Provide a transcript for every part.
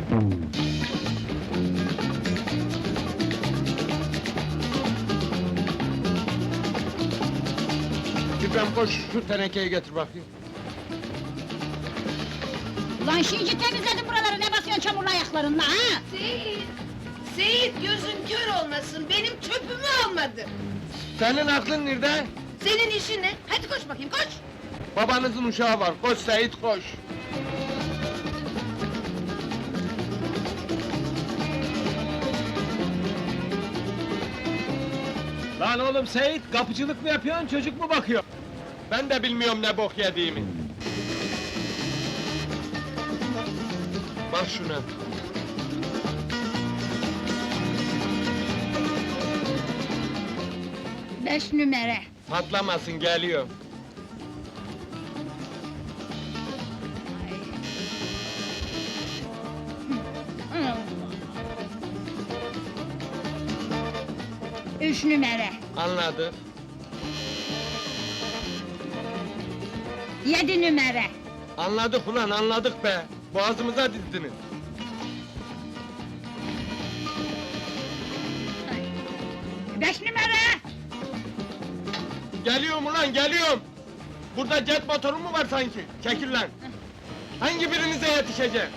İbrahim koş, şu tenekeyi getir bakayım. Ulan şimdi temizledim buraları, ne basıyorsun çamurlu ayaklarınla ha? Seyit! Seyit gözün kör olmasın, benim çöpümü almadı! Senin aklın nerede? Senin işin ne? Hadi koş bakayım, koş! Babanızın uşağı var, koş Seyit koş! Lan oğlum Seyit, kapıcılık mı yapıyorsun, çocuk mu bakıyor? Ben de bilmiyorum ne bok yediğimi. Bak şuna. 5 numara. Patlamasın, geliyor. Üç numara. Anladık. 7 numara. Anladık ulan, anladık be! Boğazımıza dizdiniz. Beş numara. Geliyorum ulan, geliyorum! Burada jet motoru mu var sanki? Çekil lan! Hangi birinize yetişeceğim?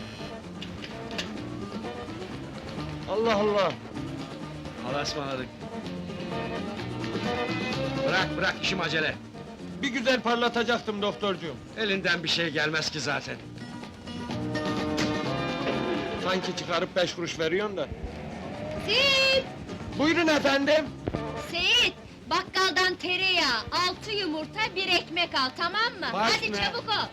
Allah Allah! Allah'a ısmarladık. Bırak, işim acele. Bir güzel parlatacaktım doktorcuğum. Elinden bir şey gelmez ki zaten. Sanki çıkarıp 5 kuruş veriyorsun da. Seyit! Buyurun efendim! Seyit! Bakkaldan tereyağı, 6 yumurta, 1 ekmek al, tamam mı? Baş Hadi ne? çabuk ol!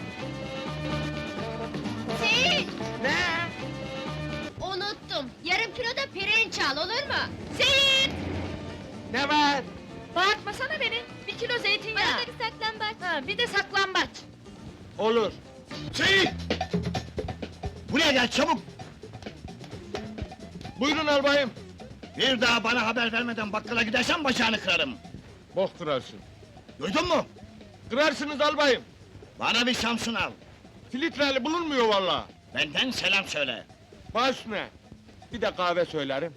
Seyit! Ne? Unuttum, yarım kilo da pirinç al, olur mu? Seyit! Ne var? Bağırtmasana beni, 1 kilo zeytinyağı! Bana da bir saklambaç! Ha, bir de saklambaç! Olur. Seyit! Buraya gel çabuk! Buyurun albayım. Bir daha bana haber vermeden bakkala gidersen bacağını kırarım. Bok kırarsın. Duydun mu? Kırarsınız albayım. Bana bir Samsun al. Filtreli bulunmuyor vallahi. Benden selam söyle. Baş ne? Bir de kahve söylerim.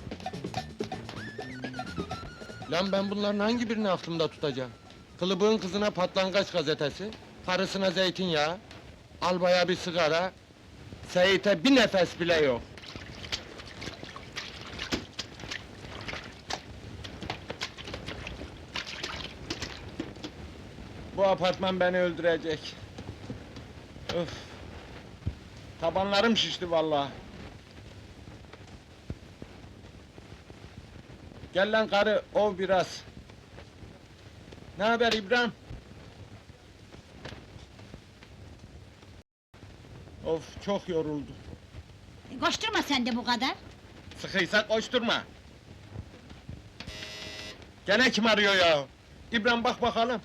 Lan ben bunların hangi birini aklımda tutacağım? Kılıbığın kızına patlangaç gazetesi, karısına zeytinyağı, albaya bir sigara, Seyit'e bir nefes bile yok. Bu apartman beni öldürecek. Öf! Tabanlarım şişti vallahi. Gel lan karı, ov biraz. Ne haber İbrahim? Of, çok yoruldu. Koşturma sen de bu kadar. Sıkıysa koşturma. Gene kim arıyor ya? İbrahim bak bakalım.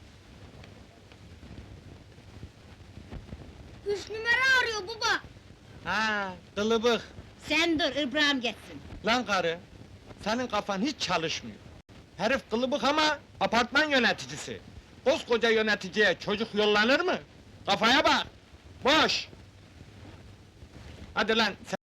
3 numara arıyor baba. Ha, kılıbık. Sen dur, İbrahim geçsin. Lan karı, senin kafan hiç çalışmıyor. Herif kılıbık ama apartman yöneticisi. Koskoca yöneticiye çocuk yollanır mı? Kafaya bak! Boş! Hadi lan,